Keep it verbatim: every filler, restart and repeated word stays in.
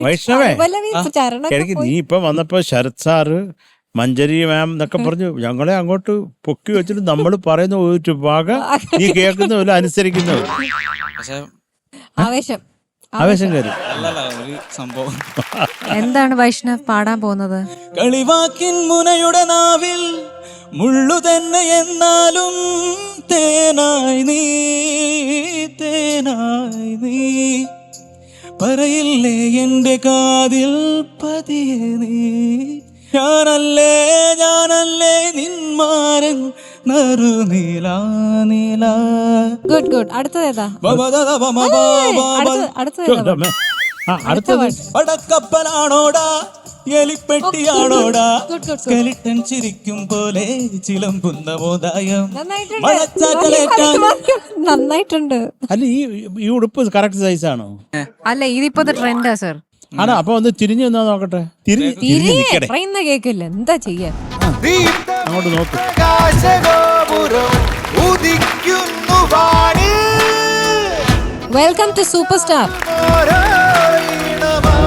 വൈഷ്ണവേ പല്ലവി ചരണമൊക്കെ എനിക്ക് നീ പോയി. ഇപ്പൊ വന്നപ്പോ ശരത് സാറ് മഞ്ജരി മാം എന്നൊക്കെ പറഞ്ഞു ഞങ്ങളെ അങ്ങോട്ട് പൊക്കി വെച്ചിട്ട് നമ്മൾ പറയുന്ന ഒരു ഭാഗം നീ കേൾക്കുന്നവരും അനുസരിക്കുന്നവരും പക്ഷെ ആവേശം ആവേശം കയറി. അല്ലല്ല ഒരു സംഭവം. എന്താണ് വൈഷ്ണവ് പാടാൻ പോകുന്നത്? കളിവാക്കിൻ മുനയുടെ നാവിൽ മുള്ളു തന്നെ എന്നാലും തേനായി നീ തേനായി നീ പറയില്ലേ എന്റെ കാതിൽ പതിയെ നീ ഞാനല്ലേ ഞാനല്ലേ നിന്മാരൻ നറു നീലാ നീലാ. Good good. അടുത്തത് ഏതാ? ബബദദ ബമബ അടുത്തത് അടുത്തത് ഏതാ? ആ അടുത്തത് പടക്കപ്പലാണോടാ എലിപ്പെട്ടിയാണോടാ Good, good, good. സ്കെലിട്ടൻ ചിരിക്കും പോലെ ചിലമ്പുന്ന മോദായം നന്നായിട്ടുണ്ട്. മഴച്ചാറ്റലേറ്റാൻ നന്നായിട്ടുണ്ട്. അല്ല ഈ ഈ ഉടുപ്പ് കറക്റ്റ് സൈസ് ആണോ? അല്ല ഇതിപ്പോഴത്തെ ട്രെൻഡാ സർ. ആണോ? അപ്പൊ ഒന്ന് തിരിഞ്ഞു നിന്നാ നോക്കട്ടെ. തിരിഞ്ഞ് തിരിഞ്ഞ് തിരികെ നിക്കടെ. പറയുന്ന കേക്കില്ല, എന്താ ചെയ്യാ? അങ്ങോട്ട് നോക്ക്. Welcome to super star.